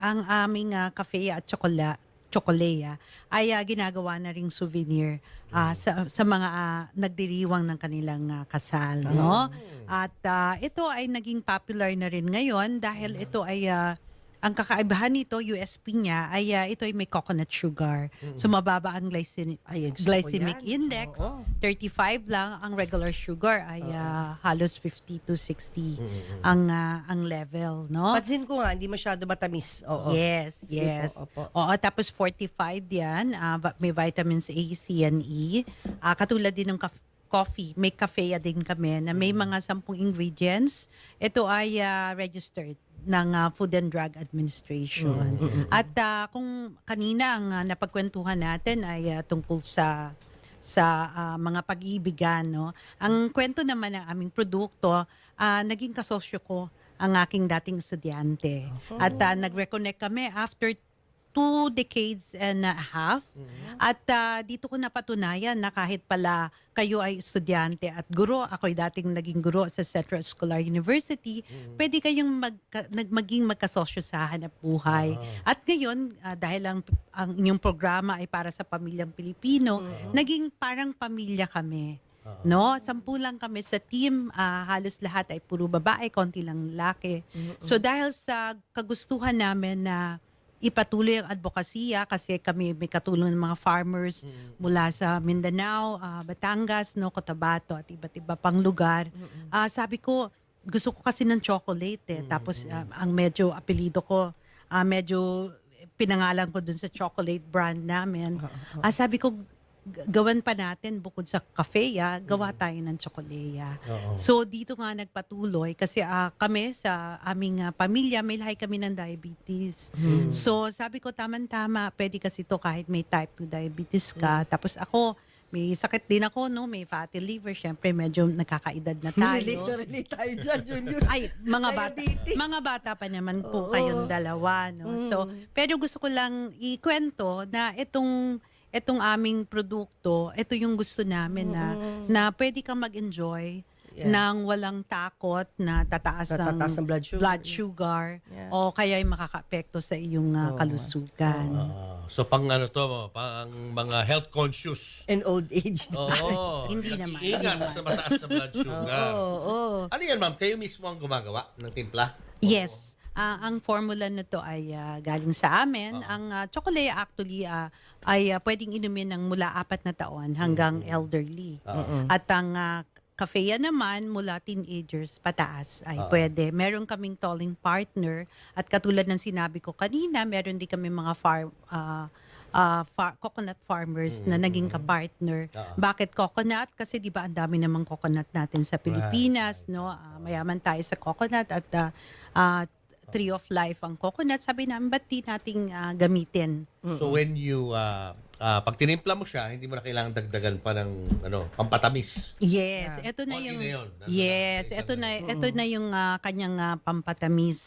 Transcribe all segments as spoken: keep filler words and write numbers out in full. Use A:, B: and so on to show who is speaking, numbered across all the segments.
A: ang aming ah, cafe at tsokola, tsokolea ay ah, ginagawa na ring souvenir ah, sa, sa mga ah, nagdiriwang ng kanilang ah, kasal. No? At ah, ito ay naging popular na rin ngayon dahil ito ay ah, ang kakaibahan nito, U S P niya, ay ah, ito ay may coconut sugar. So mababa ang glycemic,
B: Ay, gusto ko
A: glycemic
B: yan.
A: index.
B: Oo.
A: thirty-five lang. Ang regular sugar ay ah, halos fifty to sixty ang ah, ang level. No?
B: Pansin ko nga, hindi masyado matamis. Oo.
A: Yes,
B: Sige
A: yes.
B: po, opo.
A: Oo, tapos fortified yan. ah, va- may vitamins A, C, and E. Ah, katulad din ng kaf- coffee. May kafea din kami na may mga sampung ingredients. Ito ay ah, registered ng ah, Food and Drug Administration. At ah, kung kanina ang ah, napagkwentuhan natin ay ah, tungkol sa sa ah, mga pag-iibigan, no? Ang kwento naman ng aming produkto, ah, naging kasosyo ko ang aking dating estudyante. At ah, nag-reconnect kami after two decades and a half. At ah, dito ko napatunayan na kahit pala kayo ay estudyante at guro, ako'y dating naging guro sa Central Escolar University, pwede kayong magka, nag, maging magkasosyo sa hanap buhay. At ngayon, ah, dahil ang, ang inyong programa ay para sa pamilyang Pilipino, naging parang pamilya kami. No, sampu lang kami sa team, ah, halos lahat ay puro babae, konti lang lalaki. So dahil sa kagustuhan namin na ipatuloy ang advokasya kasi kami may katulong ng mga farmers mula sa Mindanao, ah, Batangas, no, Cotabato at iba't iba pang lugar. Ah, sabi ko, gusto ko kasi ng chocolate eh. Tapos ah, ang medyo apelido ko, ah, medyo pinangalan ko dun sa chocolate brand namin. Ah, sabi ko, g- gawan pa natin bukod sa cafe, ah, gawa tayo ng tsokolea. So dito nga nagpatuloy kasi ah, kami sa aming ah, pamilya may lahi kami ng diabetes. So sabi ko tamang-tama, pwede kasi to kahit may type two diabetes ka. Tapos ako may sakit din ako, no, may fatty liver, syempre medyo nakakaedad na tayo.
B: Relate na relate tayo dyan, Junius.
A: Ay, mga bata,
B: Diabetes.
A: mga bata pa naman po
B: Oo.
A: kayong dalawa, no. So, pero gusto ko lang ikwento na itong itong aming produkto, ito yung gusto namin na na pwede kang mag-enjoy
B: Yeah.
A: nang walang takot na tataas,
B: Tataas ng blood sugar.
A: blood sugar
B: Yeah.
A: o kaya ay makaka-apekto sa iyong ah,
B: Oo.
A: kalusugan.
C: Ah, so pang ano to, pang mga health conscious.
B: And old age.
C: Oo.
A: Hindi naman.
C: Ingat sa mataas na blood sugar.
B: Oo, oo.
C: Ano yan, ma'am? Kayo mismo ang gumagawa ng timpla?
A: Yes. Ah, ang formula na to ay ah, galing sa amin. Ang uh, tsokolea actually ah, ay ah, pwedeng inumin ng mula apat na taon hanggang elderly. At ang uh, kafeya naman mula teenagers pataas ay pwede. Meron kaming tolling partner at katulad ng sinabi ko kanina, meron din kami mga farm ah, ah, far- coconut farmers na naging ka-partner. Bakit coconut? Kasi di ba ang dami namang coconut natin sa Pilipinas, no? Ah, mayaman tayo sa coconut at ah, ah, tree of life ang coconut. Sabi namin, ba't di nating ah, gamitin?
C: So when you, uh, uh, pag tinimpla mo siya, hindi mo na kailangan dagdagan pa ng ano, pampatamis.
A: Yes, ito na
C: Konti
A: yung
C: na yun. Nandun
A: yes,
C: na sa
A: ito
C: isang
A: na
C: ano.
A: ito na yung ah, kanyang ah, pampatamis.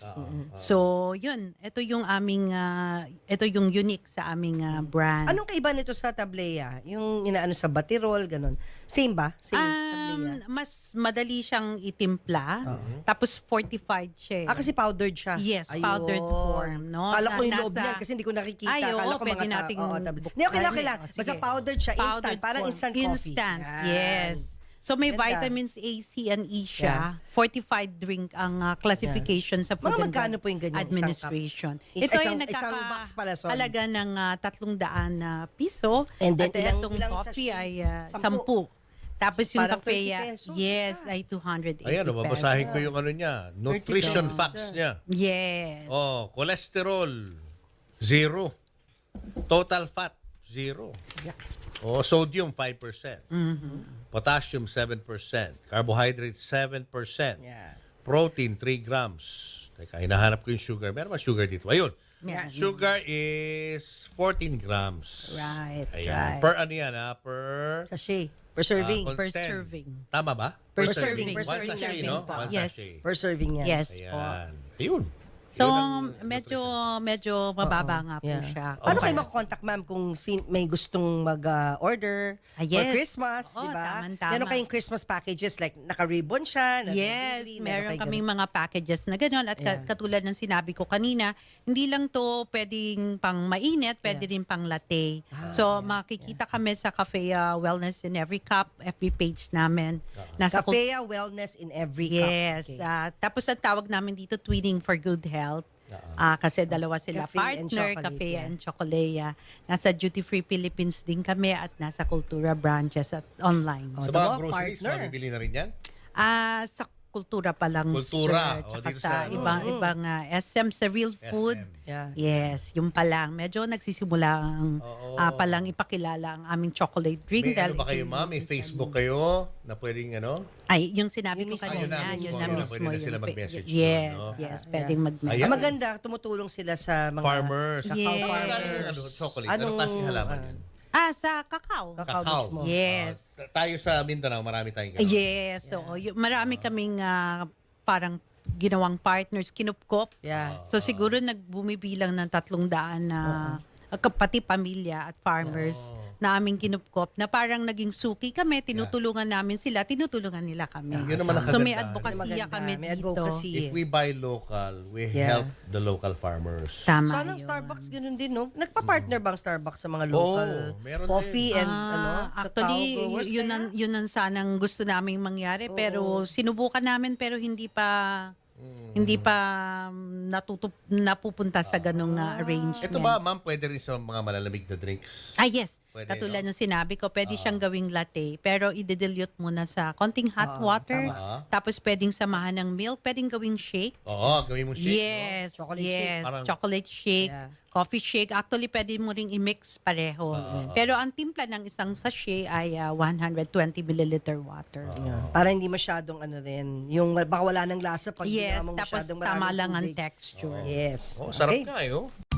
A: So, yun, ito yung aming ah, ito yung unique sa aming ah, brand.
B: Anong kaiba nito sa tablea? Yung inaano sa batirol, ganun. Same ba? Same tablea?
A: Um, mas madali siyang itimpla. Tapos fortified siya. eh.
B: Ah, kasi powdered siya.
A: Yes,
B: Ayun.
A: powdered form, no?
B: Kala ko
A: Na-
B: yung loob
A: nasa-
B: niyan kasi hindi ko nakikita.
A: Ay, oo,
B: Kala ko
A: pwede
B: mga ta-
A: nating
B: oo, tablet. Hindi, okay
A: buksan.
B: lang, okay lang.
A: O, sige.
B: Basta powdered siya, instant.
A: Powdered
B: Parang
A: form.
B: instant coffee.
A: Instant,
B: Yan.
A: yes. So may
B: Ganda.
A: vitamins A, C, and E siya. Fortified drink ang ah, classification sa Food
B: Mga
A: and
B: magkano
A: Drug
B: po yung ganyan, isang cup?
A: Administration.
B: Is-
A: Ito ay
B: isang- isang box pala, sorry.
A: nagkakahalaga ng ah, tatlong daan na piso.
B: And then
A: at
B: ilang-
A: itong
B: ilang
A: coffee
B: sachets?
A: ay ah,
B: Sampu.
A: sampu. Tapos yung
B: Parang
A: kafe,
B: twenty
A: ah,
B: pesos,
A: yes,
B: isa.
A: ay two hundred eighty
C: Ayan, oh,
A: pesos.
C: babasahin ko yung ano niya. Nutrition
B: pesos.
C: facts niya.
A: Yes.
C: Oh, cholesterol, zero. Total fat, zero. Oh, sodium, five percent. Potassium, seven percent. Carbohydrates, seven percent.
B: Yeah.
C: Protein, three grams. Teka, hinahanap ko yung sugar. Meron ba sugar dito? Ayun.
A: Yeah.
C: Sugar is fourteen grams.
A: Right,
C: Ayan.
A: right.
C: Per ano yan, ha? Per...
B: Sachet. Per serving.
C: ah,
A: Per
C: content.
A: serving.
C: Tama ba?
A: Per
B: serving, per
C: One
B: serving
C: sachet,
B: yan,
C: no?
A: po.
C: One
A: Yes.
C: sachet.
B: Per serving yan.
A: Yes po.
C: Ayan. Ayun.
A: So,
C: Yun ang
A: medyo medyo mababa nga po
B: Yeah.
A: siya.
B: Paano
A: Okay.
B: kayo makokontak, ma'am, kung sin- may gustong mag-order
A: Ah,
B: for
A: yes.
B: Christmas,
A: Oo,
B: di ba?
A: tamang-tama.
B: Meron kayong Christmas packages, like naka-ribbon siya,
A: Yes,
B: naka-daisy,
A: meron
B: kayong
A: kaming mga packages na gano'n. At ka-
B: Yeah.
A: katulad ng sinabi ko kanina, hindi lang to pwedeng pang mainit, pwede rin pang latte.
B: Ah,
A: so, makikita kami sa Cafe uh, Wellness in Every Cup, F B page namin. Nasa kul-
B: Cafe Wellness in Every Cup.
A: Yes.
B: Okay.
A: ah, tapos ang tawag namin dito, Twinning for Good Health. Ah, kasi dalawa sila
B: Cafe and
A: partner,
B: Chocolate,
A: Cafe
B: yeah.
A: and Chocolea. Nasa Duty Free Philippines din kami at nasa Kultura branches at online.
C: Sa
B: Oh,
C: mga
B: tama,
C: groceries,
B: partner.
C: mabibili na rin yan?
A: Ah, sa Kultura pa lang,
C: Kultura.
A: sir.
C: O,
A: Tsaka
C: dito
A: sa,
C: sa ano?
A: ibang ibang ah, S M sa Real Food.
C: S M.
B: Yeah.
A: Yes, yung pa lang. Medyo nagsisimula ang
C: Oo.
A: ah, pa lang ipakilala ang aming chocolate drink.
C: May
A: dahil
C: ano ba
A: ito
C: kayo,
A: yung-
C: ma'am? May Facebook kayo na pwedeng ano?
A: Ay, yung sinabi
B: Yun
A: ko
B: mismo.
A: kanina,
C: Ayun na
A: yun
C: mismo.
A: na
C: Pwede
A: mismo.
C: na
A: yung
C: sila
A: fa-
C: mag-message
A: Yes,
C: doon, no?
A: yes,
B: Ah,
A: pwedeng
B: yeah.
A: mag-message.
C: Ayan.
B: Ang maganda, tumutulong sila sa mga
C: Farmers.
B: Cacao
A: Yes.
B: farmers.
C: Ano, chocolate.
B: Anong,
C: Anong klaseng halaman
B: ah,
C: yan?
A: Ah, sa kakao.
B: Kakao mismo.
A: Yes.
C: Ah, tayo sa Mindanao, marami tayong ganun.
A: Yes, so y- marami kaming ah, parang ginawang partners, kinupkop.
B: Yeah.
A: So siguro nagbumibilang ng tatlong daan na uh, pati pamilya at farmers na aming kinupkop na parang naging suki kami, tinutulungan namin sila, tinutulungan nila kami.
C: Yun naman ang
A: So may
C: kagandahan.
A: advokasya
B: Maganda,
A: kami
B: may
A: dito.
B: advocacy.
C: If we buy local, we
B: Yeah.
C: help the local farmers.
A: Tama
B: Sana ang
A: yun.
B: Starbucks ganun din, no? Nagpa-partner bang Starbucks sa mga local
C: Oo, meron
B: coffee
C: din.
B: and ano,
A: Ah, actually,
B: cacao growers
A: y- yun
B: kaya?
A: ang, yun ang sanang gusto naming mangyari. Pero sinubukan namin pero hindi pa hindi pa um, natutup, napupunta sa ganong uh, arrangement.
C: Ito ba, ma'am, pwede rin sa mga malalamig na drinks?
A: Ah, yes.
C: Pwede,
A: Katulad
C: no?
A: ng sinabi ko, pwede siyang gawing latte. Pero i-dilute muna sa konting hot water.
C: tama.
A: Tapos pwedeng samahan ng milk. Pwedeng gawing shake.
C: Oo, gawin mo shake.
A: Yes.
B: Chocolate
A: yes.
B: shake.
C: Parang-
A: Chocolate shake.
B: Yeah.
A: Coffee shake. Actually, pwede mo ring i-mix pareho. Pero ang timpla ng isang sachet ay ah, one hundred twenty milliliter water.
B: Yeah. Para hindi masyadong ano rin, yung baka wala ng lasa pag
A: Yes.
B: ginawa mo
A: Tapos
B: masyadong
A: tama
B: maraming
A: lang ang
B: tubig.
A: texture.
B: Yes.
C: Oh, sarap
B: Okay.
C: nga, eh, oh.